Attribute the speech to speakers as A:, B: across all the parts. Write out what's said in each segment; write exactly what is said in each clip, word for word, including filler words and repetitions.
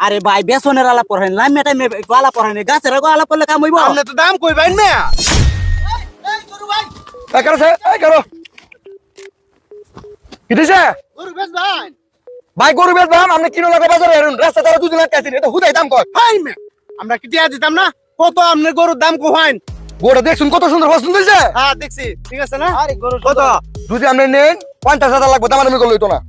A: আরে ভাই বেসনের আলাপ করেন লাইম মেটাই মে আলাপ করেন গাছের আগো আলাপ করলে কাম হইব
B: আপনি তো দাম কইবেন না
C: এই গরু ভাই
B: এই করো স্যার এই করো কি দিছে
C: গরু বেশ ভাই
B: ভাই গরু বেচ দাম আপনি কিনো লাগা বাজারে এরুন রাস্তা তারা দুদিন আটকাইছেন এটা হুদাই দাম কর
C: ভাই মে আমরা কি টিয়া দিতাম না কত আপনার গরুর দাম কোহাইন
B: গোটা দেখছুন কত সুন্দর পছন্দ হইছে
C: হ্যাঁ দেখছি ঠিক আছে না
A: আরে গরু
C: কত
B: যদি আপনি নেন পঞ্চাশ হাজার লাগবে দাম আমি করলে হইতো না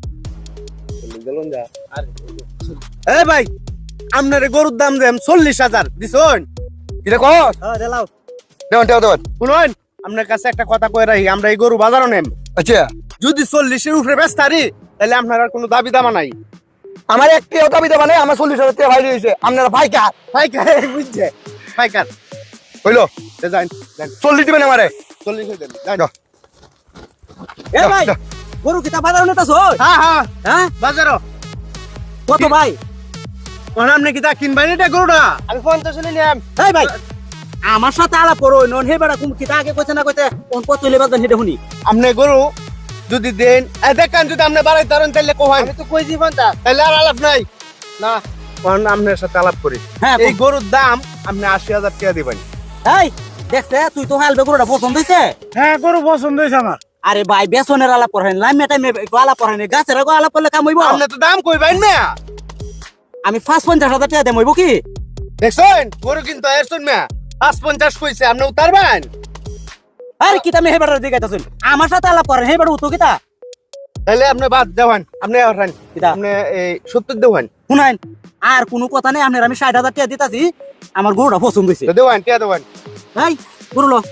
C: এ ভাই আপনার গরুর দাম দেন চল্লিশ হাজার দিছুন
B: এটা কস
A: হ্যাঁ দেলাও
B: দেওয়ান দেওয়ান দেওয়ান
C: শুনুন আপনার কাছে একটা কথা কয়ে রাখি আমরা এই গরু বাজারও নেম
B: আচ্ছা
C: যদি চল্লিশের উপরে বেচতারি তাহলে আপনার আর কোনো দাবি দামা নাই
B: আমার একটি দাবি দেবা নেই আমার চল্লিশ হাজার টাকা ভাই দিয়েছে আপনারা ভাই কার
C: পাইকার বুঝছে পাইকার
B: হইলো
C: যান যান
B: চল্লিশ দিবেন আমারে
C: চল্লিশ হয়ে যান যান।
B: যাও।
A: এ ভাই
B: যাও।
A: গরু কিতা বাজার নিতাছ
C: হ্যাঁ হ্যাঁ
A: হ্যাঁ
C: বাজারও
A: কত ভাই
C: কোন আপনি কি তা কিনবেন এটা গরুটা আমি পঞ্চাশ হলে নিলাম
A: এই ভাই আমার সাথে আলাপ করো নন হে বেড়া কোন কিতা আগে কইছে না কইতে কোন কত হইলে বাজার হেডে শুনি
C: আপনি গরু যদি দেন এ দেখেন যদি আপনি বাড়াই তারেন তাহলে কোহান আমি তো কইছি পঞ্চাশ তাহলে আর আলাপ নাই না কোন আপনার সাথে আলাপ করি
A: হ্যাঁ
C: এই গরুর দাম আপনি আশি হাজার টাকা দিবেন
A: এই দেখছে তুই তো হালবে গরুটা পছন্দ হইছে
C: হ্যাঁ গরু পছন্দ হয়েছে আমার
A: আরে ভাই বেসনের আলাপ করেন লাইম মেটাই মে আলাপ করেন গাছের আগো আলাপ করলে কাম হইব
C: আপনি তো দাম কইবেন না
A: আমি পাঁচ পঞ্চাশ হাজার টাকা দেব হইব কি
C: দেখছেন গরু কিন্তু এর শুনমা পাঁচ পঞ্চাশ কইছে আপনি উতারবেন
A: আরে কিতা মে হে বেড়ার দিকে আইতাছুন আমার সাথে আলাপ করেন হে বেড়া উতো কিতা
C: তাহলে আপনি বাদ দেওয়ান আপনি আছেন
A: কিতা
C: আপনি এই সত্তর দেওয়ান
A: শুনাইন আর কোনো কথা নেই আপনার আমি ষাট হাজার টাকা দিতাছি আমার গরুটা পছন্দ হয়েছে
C: দেওয়ান টিয়া দেওয়ান
A: এই গরু লো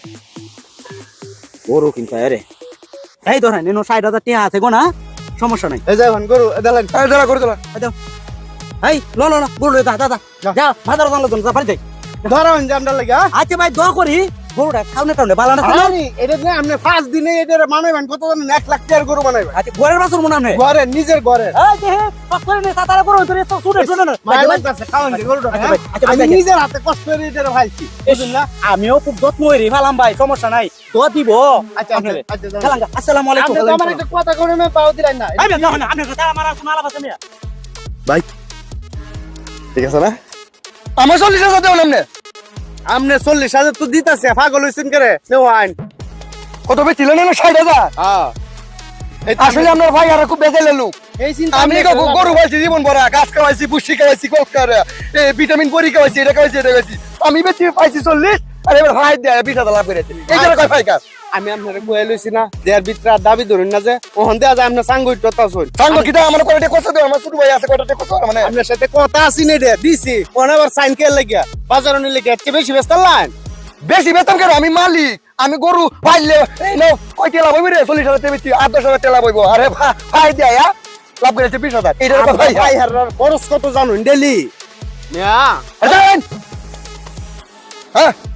A: গরু কিন্তু আরে এই ধরেন এনো ষাট হাজার টাকা আছে গো না সমস্যা নাই
C: এই যাবেন গরু দেলেন
B: এই দাঁড়া করে দাঁড়া
A: এই দাও এই লো লো লো গরু লই, দা দা দা
C: যা।
A: যা বাজার জানলো তো যা পারি যাই
C: ধরেন যে আমরা লাগে
A: আচ্ছা ভাই দোয়া করি গরুটা খাওনে টাউনে বালা না ছিল
C: আরে এটা যে আপনি পাঁচ দিনে এটা বানাইবেন কত জানেন এক লাখ টাকার গরু বানাইবেন
A: আচ্ছা ঘরের বাসুর মনে হয়
C: ঘরে নিজের ঘরে
A: এই যে হে পাক করে নে তাতারা গরু ধরে তো শুনে শুনে না
C: মায়ের কাছে খাওয়ান যে গরুটা
A: আচ্ছা
C: হ্যাঁ?
A: ভাই, আচ্ছা ভাই,
C: আমি
A: দেখেন।
C: নিজের হাতে কষ্ট করে এটা ভাইছি বুঝলেন না
A: আমিও খুব যত্ন হইরি ভালাম ভাই সমস্যা নাই তো দিব
C: আচ্ছা আচ্ছা আচ্ছা যান।
A: খেলাঙ্গা আসসালামু আলাইকুম
C: আপনি তো আমার একটা কথা করে না পাও দিলেন না
A: এই না না আপনি কথা আমার কোনো আলাপ আছে মিয়া
C: ভাই ঠিক আছে না
B: আমার চল্লিশ হাজার দেবেন আপনি
C: আপনি চল্লিশ হাজার তো দিতেছে পাগল হয়েছেন করে নেওয়ান
B: কত বেশি ছিলেন না ষাট হাজার
C: হ্যাঁ এই তো
B: আসলে আপনার ভাই আর খুব বেজে লোক
C: এই চিন্তা
B: আমি
C: আপনি
B: গো-
C: করলাম।
B: গরু খাইছি জীবন ভরা গাছ খাওয়াইছি বুসি খাওয়াইছি কোক খাওয়া ভিটামিন বড়ি খাওয়াইছি এটা খাওয়াইছি এটা খাওয়াইছি আমি বেশি পাইছি চল্লিশ আর এবার ভাই দেয় বিশ হাজার লাভ করেছি এই জন্য কয় ভাই কাজ
C: আমি আপনার কয়ে লইছি না দেয়ার ভিতরে আর দাবি ধরুন না যে ওহন দেয়া যায় আপনার সাঙ্গ ইট্টা শুন
B: সাঙ্গ কিটা আমার কয়টা কথা দেও আমার ছোট ভাই আছে কয়টা কথা মানে
C: আপনার সাথে কথা আছি না রে দিছি ওহন আবার সাইন কে লাগিয়া বাজার নিলে লেগে এত বেশি ব্যস্ত লাইন
B: বেশি বেতন কেন আমি মালিক আমি গরু পাইলে এই নাও কয় টেলা বইবি রে চল্লিশ হাজার টাকা বেশি আট দশ হাজার টেলা বইব আরে ভা- ভাই দেয় আ? লাভ করেছে বিশ হাজার এইটার কথা ভাই
C: ভাই হারার খরচ কত জানুন ডেলি না
B: হ্যাঁ